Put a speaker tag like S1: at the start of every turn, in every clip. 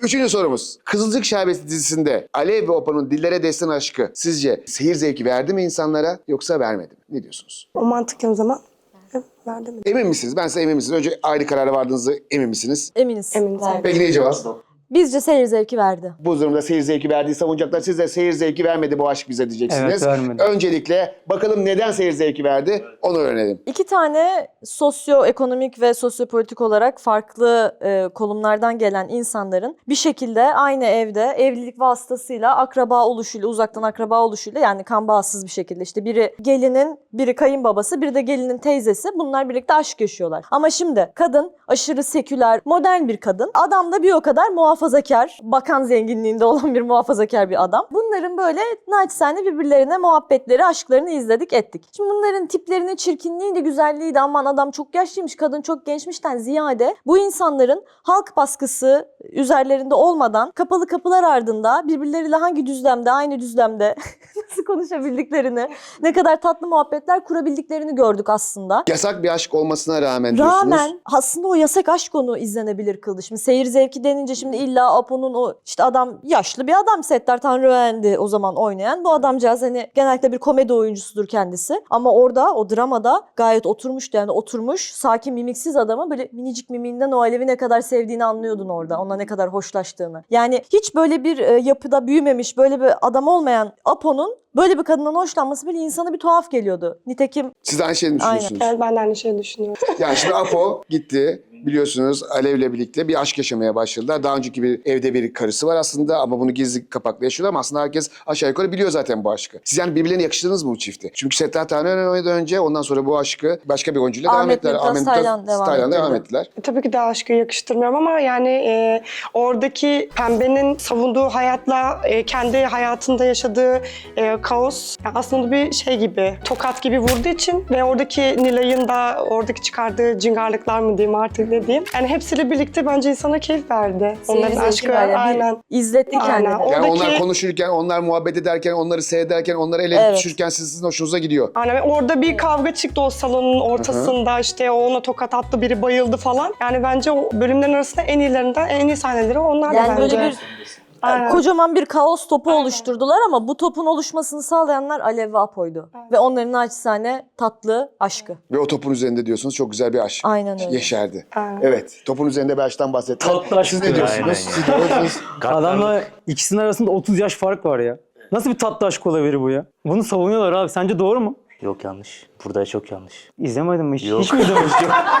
S1: Üçüncü sorumuz. Kızılcık Şerbeti dizisinde Alev ve Apo'nun dillere destan aşkı sizce seyir zevki verdi mi insanlara yoksa vermedi mi? Ne diyorsunuz?
S2: O mantıklı o zaman. Verdi mi?
S1: Emin misiniz? Ben size emin misiniz? Önce ayrı karara vardığınızı emin misiniz?
S3: Eminiz.
S2: Eminiz.
S1: Peki ne cevap?
S3: Bizce seyir zevki verdi.
S1: Bu durumda seyir zevki verdiği savunacaklar. Siz de seyir zevki vermedi bu aşk bize diyeceksiniz.
S4: Evet, vermedi.
S1: Öncelikle bakalım neden seyir zevki verdi onu öğrenelim.
S3: İki tane sosyoekonomik ve sosyopolitik olarak farklı konumlardan gelen insanların bir şekilde aynı evde evlilik vasıtasıyla akraba oluşuyla, uzaktan akraba oluşuyla yani kan bağımsız bir şekilde işte biri gelinin, biri kayınbabası, biri de gelinin teyzesi bunlar birlikte aşk yaşıyorlar. Ama şimdi kadın aşırı seküler, modern bir kadın. Adam da bir o kadar muhafazakar, bakan zenginliğinde olan bir muhafazakar bir adam. Bunların böyle naçizane birbirlerine muhabbetleri, aşklarını izledik ettik. Şimdi bunların tiplerinin çirkinliğiydi, güzelliğiydi, aman adam çok yaşlıymış, kadın çok gençmişten ziyade bu insanların halk baskısı üzerlerinde olmadan kapalı kapılar ardında birbirleriyle hangi düzlemde, aynı düzlemde nasıl konuşabildiklerini, ne kadar tatlı muhabbetler kurabildiklerini gördük aslında.
S1: Yasak bir aşk olmasına rağmen diyorsunuz.
S3: Rağmen aslında o yasak aşk onu izlenebilir kıldı. Şimdi seyir zevki denince şimdi illa Apo'nun o işte adam yaşlı bir adam Settar Tanrıverdi o zaman oynayan. Bu adamcağız hani genellikle bir komedi oyuncusudur kendisi. Ama orada o dramada gayet oturmuştu yani oturmuş sakin mimiksiz adamı böyle minicik mimiğinden o Alev'i ne kadar sevdiğini anlıyordun orada. Ona ne kadar hoşlaştığını. Yani hiç böyle bir yapıda büyümemiş böyle bir adam olmayan Apo'nun böyle bir kadından hoşlanması bile insana bir tuhaf geliyordu. Nitekim
S1: Siz de aynı şeyi mi düşünüyorsunuz?
S2: Evet, ben de aynı şeyi düşünüyorum.
S1: Yani şimdi Apo gitti. Biliyorsunuz Alev'le birlikte bir aşk yaşamaya başladılar. Daha önceki bir evde bir karısı var aslında ama bunu gizli kapaklı yaşıyorlar ama aslında herkes aşağı yukarı biliyor zaten bu aşkı. Siz yani birbirlerine yakıştırdınız mı bu çifti? Çünkü Settar Tanrıverdi'den önce ondan sonra bu aşkı başka bir oyuncuyla devam ettiler. Taylan devam ettiler.
S2: Tabii ki de aşkı yakıştırmıyorum ama yani oradaki Pembe'nin savunduğu hayatla kendi hayatında yaşadığı kaos yani aslında bir şey gibi, tokat gibi vurduğu için ve oradaki Nilay'ın da oradaki çıkardığı cingarlıklar mı diyeyim artık ne diyeyim. Yani hepsiyle birlikte bence insana keyif verdi.
S3: seyir
S2: Onların
S3: zevki
S2: aşkı
S3: var ya,
S2: aynen.
S3: izletti kendini.
S2: Aynen.
S1: Yani
S2: Oradaki-
S1: onlar konuşurken, onlar muhabbet ederken, onları seyrederken, onları ele
S3: Evet.
S1: düşürürken sizin hoşunuza gidiyor.
S2: Aynen ve orada bir kavga çıktı o salonun ortasında işte o ona tokat attı biri bayıldı falan. Yani bence o bölümlerin arasında en iyilerinden en iyi sahneleri onlar da
S3: Yani
S2: bence.
S3: böyle bir
S2: Aynen.
S3: kocaman bir kaos topu oluşturdular ama bu topun oluşmasını sağlayanlar Alev ve Apo'ydu. Ve onların naçizane tatlı aşkı.
S1: Ve o topun üzerinde diyorsunuz çok güzel bir aşk.
S3: Aynen öyle.
S1: Yeşerdi.
S2: Aynen.
S1: Evet, topun üzerinde bir aşktan bahsettiler.
S4: Tatlı aşk
S1: Siz ne
S4: diyor.
S1: diyorsunuz?
S5: Aynen.
S1: Siz ne diyorsunuz?
S4: Adamla ikisinin arasında 30 yaş fark var ya. Nasıl bir tatlı aşk olabilir bu ya? Bunu savunuyorlar abi. Sence doğru mu?
S5: Yok yanlış. Burada çok yanlış.
S4: İzlemedin mi hiç?
S5: Yok.
S4: Hiç mi izlemiş?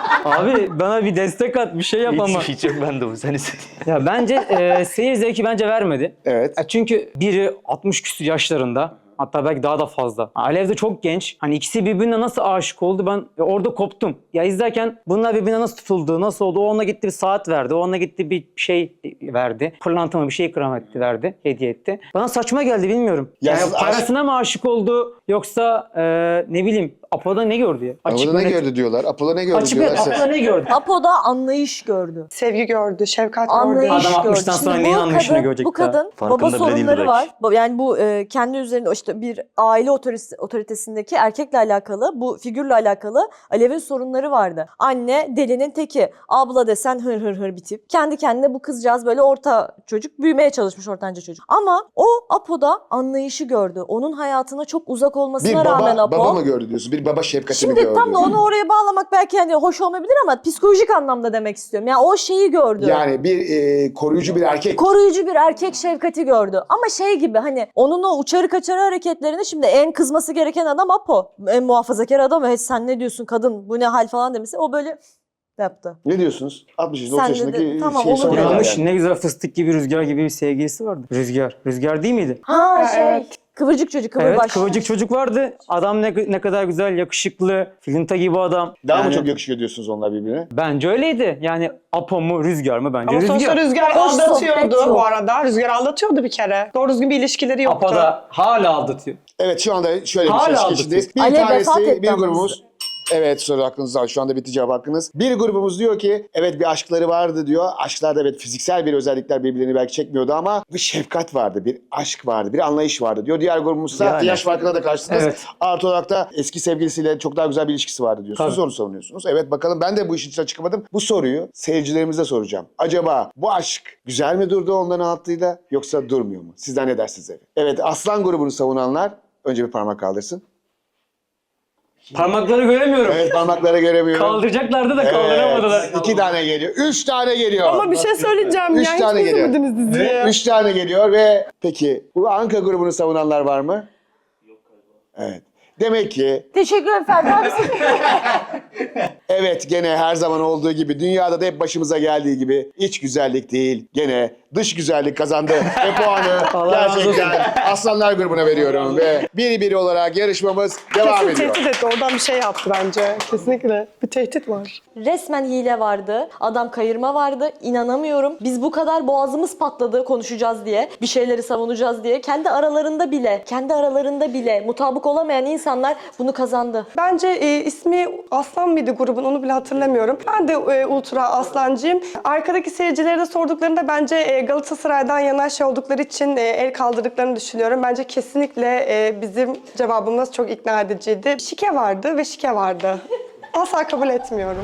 S4: Abi bana bir destek at, bir şey yap ama.
S5: Hiç yok ben de bu. Sen istedin.
S4: Ya bence seyir zevki bence vermedi.
S1: Evet.
S4: Çünkü biri 60 küsur yaşlarında. Hatta belki daha da fazla. Alev de çok genç. Hani ikisi birbirine nasıl aşık oldu ben orada koptum. Ya izlerken bunlar birbirine nasıl tutuldu, nasıl oldu? O ona gitti bir saat verdi, o ona gitti bir şey verdi. Pırlanta mı bir şey ikram etti, verdi, hediye etti. Bana saçma geldi bilmiyorum.
S1: Ya
S4: Yani
S1: siz
S4: parasına mı aşık oldu yoksa ne bileyim Apo'da ne gördü ya?
S1: Apo'da ne gördü diyorlar. Apo'da ne gördü
S4: Açık
S1: diyorlar.
S4: Apo'da ne gördü?
S3: Apo'da anlayış gördü.
S2: Sevgi gördü, şefkat gördü.
S3: Anlayış
S4: Adam
S3: gördü.
S4: 60'tan sonra
S3: Şimdi
S4: neyin
S3: bu
S4: anlayışını
S3: kadın-
S4: görecek
S3: Bu kadın
S5: Farkında
S3: baba
S5: bile değildi
S3: sorunları
S5: belki.
S3: var. Yani bu kendi üzerinde işte bir aile otoritesindeki erkekle alakalı, bu figürle alakalı Alev'in sorunları vardı. Anne delinin teki, abla desen hır hır hır bir tip. Kendi kendine bu kızcağız böyle orta çocuk, büyümeye çalışmış ortanca çocuk. Ama o Apo'da anlayışı gördü. Onun hayatına çok uzak
S1: Bir
S3: olmasına rağmen Apo.
S1: baba mı gördü diyorsun? Bir baba şefkatini
S3: Şimdi
S1: gördü.
S3: tam da onu oraya bağlamak belki hani hoş olmayabilir ama psikolojik anlamda demek istiyorum. Yani o şeyi gördü.
S1: Yani bir koruyucu bir erkek.
S3: Koruyucu bir erkek şefkati gördü. Ama şey gibi hani onun o uçarı kaçarı hareketlerini şimdi en kızması gereken adam Apo. En muhafazakar adam. Hey, sen ne diyorsun kadın bu ne hal falan demesi. O böyle yaptı.
S1: Ne diyorsunuz? 60
S3: Sen
S1: 30
S3: de
S1: yaşındaki
S3: tamam,
S1: şey
S3: olur
S1: soruyorlar
S3: yani.
S4: Yanlış,
S1: yani.
S4: ne güzel fıstık gibi Rüzgar gibi bir sevgilisi vardı. Rüzgar değil miydi?
S3: Ha şey
S2: evet.
S3: kıvırcık çocuk
S4: Evet,
S3: kıvırbaş.
S4: kıvırcık çocuk vardı. Adam ne kadar güzel, yakışıklı, filinta gibi adam.
S1: Daha mı
S4: Yani
S1: çok yakışıyor diyorsunuz onlar birbirine?
S4: Bence öyleydi. Yani Apo mu, Rüzgar mı? Bence
S2: Ama sonuçta
S4: Rüzgar.
S2: Rüzgar
S3: Hoş sohbet
S2: aldatıyordu
S3: yok.
S2: bu arada. Rüzgar aldatıyordu bir kere. Doğru düzgün bir ilişkileri yoktu.
S4: Apo da hala aldatıyor.
S1: Evet şu anda şöyle bir
S4: Hala
S1: şey
S4: aldatıyor.
S1: geçindeyiz. Bir
S3: Ale vefat
S1: tanesi
S3: etti
S1: bir
S3: ama
S1: grubumuz Evet, soru hakkınız var. Şu anda bitti cevap hakkınız. Bir grubumuz diyor ki evet bir aşkları vardı diyor. Aşklarda evet fiziksel bir özellikler birbirlerini belki çekmiyordu ama bir şefkat vardı, bir aşk vardı, bir anlayış vardı diyor. Diğer grubumuz da
S5: Yani.
S1: yaş farkına da karşısınız.
S4: Evet.
S1: Artı olarak da eski sevgilisiyle çok daha güzel bir ilişkisi vardı diyorsunuz.
S4: Tabii.
S1: Onu savunuyorsunuz. Evet, bakalım, ben de bu işin içine çıkamadım. Bu soruyu seyircilerimize soracağım. Acaba bu aşk güzel mi durdu onların altıyla yoksa durmuyor mu? Sizler ne dersiniz? Evet, Aslan grubunu savunanlar önce bir parmak kaldırsın.
S4: Parmakları göremiyorum.
S1: Evet, parmakları göremiyorum.
S4: Kaldıracaklardı da kaldıramadılar.
S1: Evet, 2 tane geliyor. 3 tane geliyor.
S2: Ama bir şey söyleyeceğim
S1: Üç
S2: ya. Hiç
S1: tane geliyor.
S2: izlemediniz diziyi.
S1: 3 tane geliyor ve peki bu Anka grubunu savunanlar var mı? Yok galiba. Evet. Demek ki
S3: Teşekkür efendim.
S1: evet, gene her zaman olduğu gibi dünyada da hep başımıza geldiği gibi iç güzellik değil, gene dış güzellik kazandı ve puanı
S4: Allah razı
S1: gerçekten Aslanlar grubuna veriyorum ve biri olarak yarışmamız devam
S2: Kesin
S1: ediyor.
S2: tehdit etti. Oradan bir şey yaptı bence. Kesinlikle. Bir tehdit var.
S3: Resmen hile vardı. Adam kayırma vardı. İnanamıyorum. Biz bu kadar boğazımız patladı konuşacağız diye. Bir şeyleri savunacağız diye. Kendi aralarında bile mutabık olamayan insanlar bunu kazandı.
S2: Bence ismi Aslan mıydı grubun, onu bile hatırlamıyorum. Ben de ultra Aslancıyım. Arkadaki seyircilere de sorduklarında bence Galatasaray'dan yana şey oldukları için el kaldırdıklarını düşünüyorum. Bence kesinlikle bizim cevabımız çok ikna ediciydi. Şike vardı ve şike vardı. Asla kabul etmiyorum.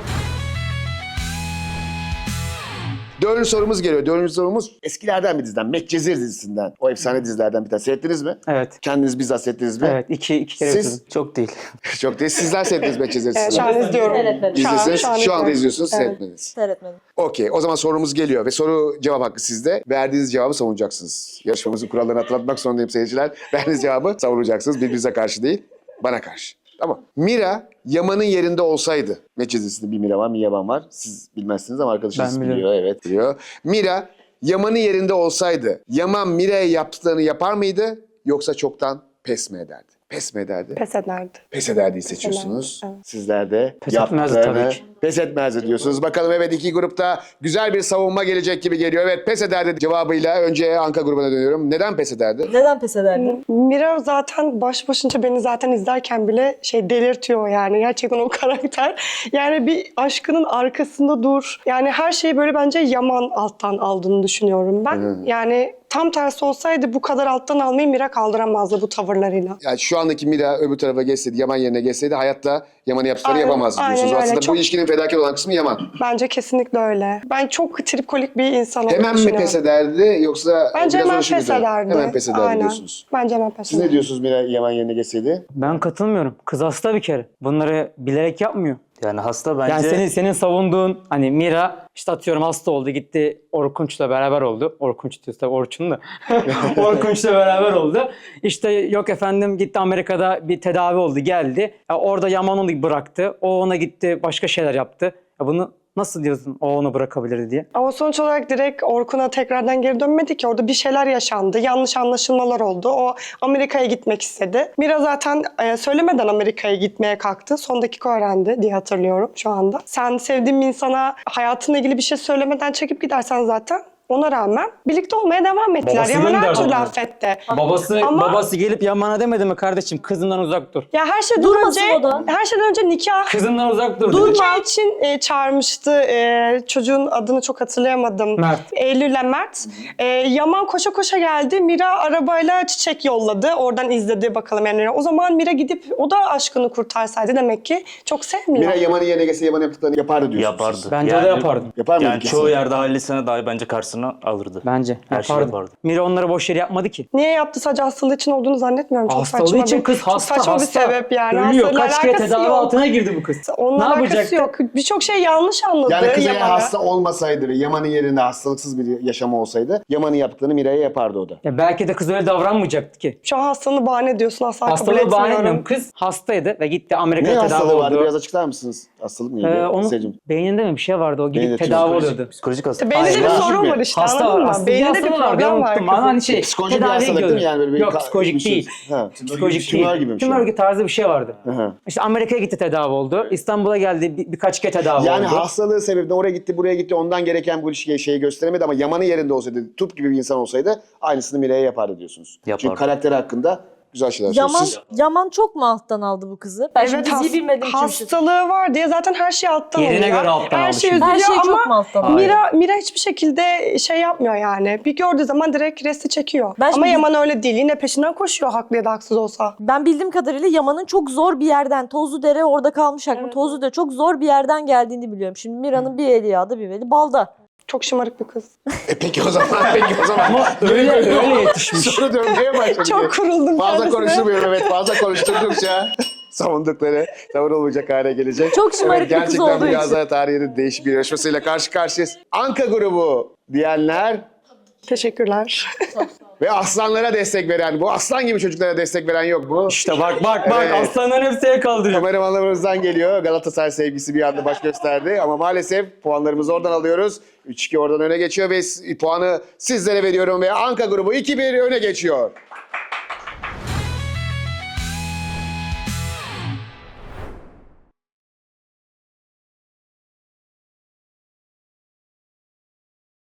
S1: Dördüncü sorumuz geliyor. Dördüncü sorumuz eskilerden bir diziden. Medcezir dizisinden. O efsane dizilerden bir tane. Seyrettiniz mi?
S4: Evet.
S1: Kendiniz bizzat seyrettiniz mi?
S4: Evet. iki kere
S1: Siz?
S4: bitirdim.
S5: Çok değil.
S1: Çok değil. Sizler seyrettiniz Medcezir
S2: Şu
S1: dizisini.
S2: an izliyorum.
S3: Evet.
S1: İzlesiniz. Şu anda
S2: izliyorum.
S1: izliyorsunuz,
S2: Evet.
S1: seyretmediniz.
S3: Seyretmedim.
S1: Okey. O zaman sorumuz geliyor ve soru cevap hakkı sizde. Verdiğiniz cevabı savunacaksınız. Yarışmamızın kurallarını hatırlatmak zorundayım seyirciler. Verdiğiniz cevabı savunacaksınız. Birbirinize karşı değil, bana karşı. Tamam. Mira Yaman'ın yerinde olsaydı. Medcezir dizisinde bir Mira var, bir Yaman var. Siz bilmezsiniz ama arkadaşınız
S4: Ben
S1: biliyor.
S4: biliyorum.
S1: Evet, biliyor. Mira Yaman'ın yerinde olsaydı Yaman Mira'ya yaptıklarını yapar mıydı yoksa çoktan pes mi ederdi? Pes mi ederdi?
S2: Pes ederdi.
S1: Pes ederdiği seçiyorsunuz.
S2: ederdi, evet.
S1: Sizler de
S4: Pes etmezdi
S1: yaptıklarını
S4: tabii ki.
S1: pes etmezdi diyorsunuz. Bakalım, evet, iki grupta güzel bir savunma gelecek gibi geliyor. Evet, pes ederdi cevabıyla önce Anka grubuna dönüyorum. Neden pes ederdi?
S3: Neden pes ederdin?
S2: Mira zaten başınca beni zaten izlerken bile delirtiyor yani. Gerçekten o karakter. Yani bir aşkının arkasında dur. Yani her şeyi böyle bence Yaman alttan aldığını düşünüyorum ben. Yani tam tersi olsaydı bu kadar alttan almayı Mira kaldıramazdı bu tavırlarıyla.
S1: Yani şu andaki Mira öbür tarafa geçseydi, Yaman yerine geçseydi hayatta Yaman'ı yaptıklarını
S2: Aynen,
S1: yapamazdı
S2: aynen
S1: diyorsunuz.
S2: öyle.
S1: Aslında
S2: Çok-
S1: bu ilişkinin fedakar olan kısmı Yaman.
S2: Bence kesinlikle öyle. Ben çok tripkolik bir insan olduğunu
S1: Hemen mi
S2: düşünüyorum.
S1: pes ederdi yoksa
S2: Bence
S1: biraz
S2: hemen
S1: uğraşır
S2: pes
S1: mıydı?
S2: ederdi.
S1: Hemen pes ederdi
S2: Aynen.
S1: diyorsunuz.
S2: Bence hemen pes
S1: Siz ne
S2: ederdi.
S1: diyorsunuz Mira Yaman yerine geçseydi?
S4: Ben katılmıyorum. Kız hasta bir kere. Bunları bilerek yapmıyor.
S5: Yani hasta bence...
S4: Yani senin savunduğun hani Mira işte atıyorum hasta oldu gitti Orkunç'la beraber oldu. Orkunç diyoruz tabii Orçun da. Orkunç'la beraber oldu. İşte yok efendim gitti Amerika'da bir tedavi oldu geldi. Ya orada Yaman onu bıraktı. O ona gitti başka şeyler yaptı. Ya bunu nasıl diyorsun o onu bırakabilirdi diye.
S2: Ama sonuç olarak direkt Orkun'a tekrardan geri dönmedi ki. Orada bir şeyler yaşandı. Yanlış anlaşılmalar oldu. O Amerika'ya gitmek istedi. Mira zaten söylemeden Amerika'ya gitmeye kalktı. Son dakika öğrendi diye hatırlıyorum şu anda. Sen sevdiğin bir insana hayatınla ilgili bir şey söylemeden çekip gidersen zaten ona rağmen birlikte olmaya devam ettiler.
S4: Babası
S2: Yaman her
S4: gönderdi
S2: türlü
S4: onları.
S2: affetti.
S4: Babası
S2: Ama-
S4: gelip Yaman'a demedi mi kardeşim kızından uzak dur.
S2: Ya
S3: Durmasın o da.
S2: her şeyden önce nikah
S4: Kızından uzak dur dedi.
S2: Nikah için çağırmıştı. Çocuğun adını çok hatırlayamadım.
S4: Mert.
S2: Eylül'le Mert. Yaman koşa koşa geldi. Mira arabayla çiçek yolladı. Oradan izledi bakalım yani. O zaman Mira gidip o da aşkını kurtarsaydı demek ki çok sevmiyor.
S1: Mira Yaman'ın yerine geçse Yaman yaptıklarını yapardı diyorsunuz.
S5: Yapardı.
S1: siz.
S4: Bence de yapardı.
S1: Yapar mıydı
S5: Yani
S1: kesin?
S5: çoğu yerde ailesine dahi bence karşısına alırdı.
S4: Bence
S5: Her şeyi
S4: yapardı.
S5: yapardı.
S4: Mira onları boş yere yapmadı ki.
S2: Niye yaptı, sadece hastalığı için olduğunu zannetmiyorum. Çok
S4: Hastalığı
S2: saçma
S4: için
S2: bir,
S4: kız
S2: çok
S4: hasta
S2: saçma
S4: hasta.
S2: bir sebep yani.
S4: Ölüyor.
S2: Hastalığıyla
S4: Kaç kere
S2: alakası
S4: tedavi
S2: yok.
S4: altına girdi bu kız.
S2: Onun
S4: ne
S2: alakası
S4: yapacaktı?
S2: yok. Birçok şey yanlış anladı
S1: Yani kız eğer
S2: Yaman'ı.
S1: hasta olmasaydı ve Yaman'ın yerinde hastalıksız bir yaşamı olsaydı Yaman'ın yaptıklarını Mira'ya yapardı o da.
S4: Ya belki de kız öyle davranmayacaktı ki.
S2: Şu an hastalığını bahane ediyorsun, asla kabul
S4: Hastalığı bahane
S2: etmiyorum.
S4: etmiyorum. Kız hastaydı ve gitti
S1: Ne
S4: Amerika'ya tedavi
S1: hastalığı vardı?
S4: oldu.
S1: Biraz açıklar mısınız? Hastalık neydi?
S4: Onun
S1: Seyircim.
S4: beyninde mi bir şey vardı? O gidip
S1: Beyninde
S4: tedavi
S1: psikolojik-
S4: oluyordu.
S5: Psikolojik hasta.
S2: Beyninde bir
S1: Hayır,
S2: sorun
S1: mi?
S2: var işte,
S4: Hasta
S2: anladın mı?
S4: aslında
S2: Beyninde bir
S4: hastalığı vardı.
S2: problem var.
S4: Unuttum. Ama hani şey
S1: Psikolojik bir
S4: tedaviye
S1: hastalık değil mi?
S4: gidiyordu.
S1: Yani böyle bir
S4: Yok psikolojik değil.
S1: Ha.
S4: Psikolojik
S1: Tümör
S4: değil.
S1: gibi bir şey.
S4: Tümör tarzı bir şey vardı.
S1: Hı.
S4: İşte Amerika'ya gitti tedavi oldu. İstanbul'a geldi birkaç kere tedavi
S1: Yani
S4: oldu.
S1: hastalığı sebebiyle oraya gitti, buraya gitti. Ondan gereken bu ilişkiye şeyi gösteremedi ama Yaman'ın yerinde olsaydı, Tup gibi bir insan olsaydı aynısını Mira'ya yapardı diyorsunuz.
S5: Yapardı.
S1: Çünkü karakteri hakkında güzel şeyler söylüyor.
S3: Yaman,
S1: Siz
S3: Yaman çok mu alttan aldı bu kızı? Ben şimdi diziyi bilmediğim için bir şey
S2: hastalığı var diye zaten her şey alttan
S4: Yerine
S2: alıyor.
S4: göre alttan
S2: her
S4: aldı
S2: şey
S4: şimdi.
S3: Her
S2: üzülüyor
S3: şey çok mu
S2: ama
S3: alttan aldı?
S2: Mira hiçbir şekilde şey yapmıyor yani. Bir gördüğü zaman direkt resti çekiyor.
S3: Ben
S2: Ama
S3: şimdi-
S2: Yaman öyle değil. Yine peşinden koşuyor haklı ya da haksız olsa.
S3: Ben bildiğim kadarıyla Yaman'ın çok zor bir yerden, Tozludere orada kalmış aklım. Tozludere çok zor bir yerden geldiğini biliyorum. Şimdi Mira'nın bir eli yağda bir eli balda.
S2: Çok şımarık bir kız.
S1: Peki o zaman.
S4: Ama öyle yetişmiş.
S1: Soru dönmeye başladı.
S2: Çok kuruldum
S1: Fazla
S2: kendisine.
S1: konuşturmuyorum, evet. Fazla konuşturdukça savundukları savunulmayacak hale gelecek.
S3: Çok şımarık bir kız
S1: gerçekten
S3: olduğu
S1: bu
S3: için.
S1: yazar tarihinin değişik bir yarışmasıyla karşı karşıyayız. Anka grubu diyenler
S2: Teşekkürler.
S1: ve aslanlara destek veren, bu aslan gibi çocuklara destek veren yok mu?
S4: İşte bak
S1: Evet.
S4: aslanların hepsi el kaldırıyor.
S1: Kameramanlarımızdan geliyor. Galatasaray sevgisi bir anda baş gösterdi. Ama maalesef puanlarımızı oradan alıyoruz. 3-2 oradan öne geçiyor ve puanı sizlere veriyorum ve Anka grubu 2-1 öne geçiyor.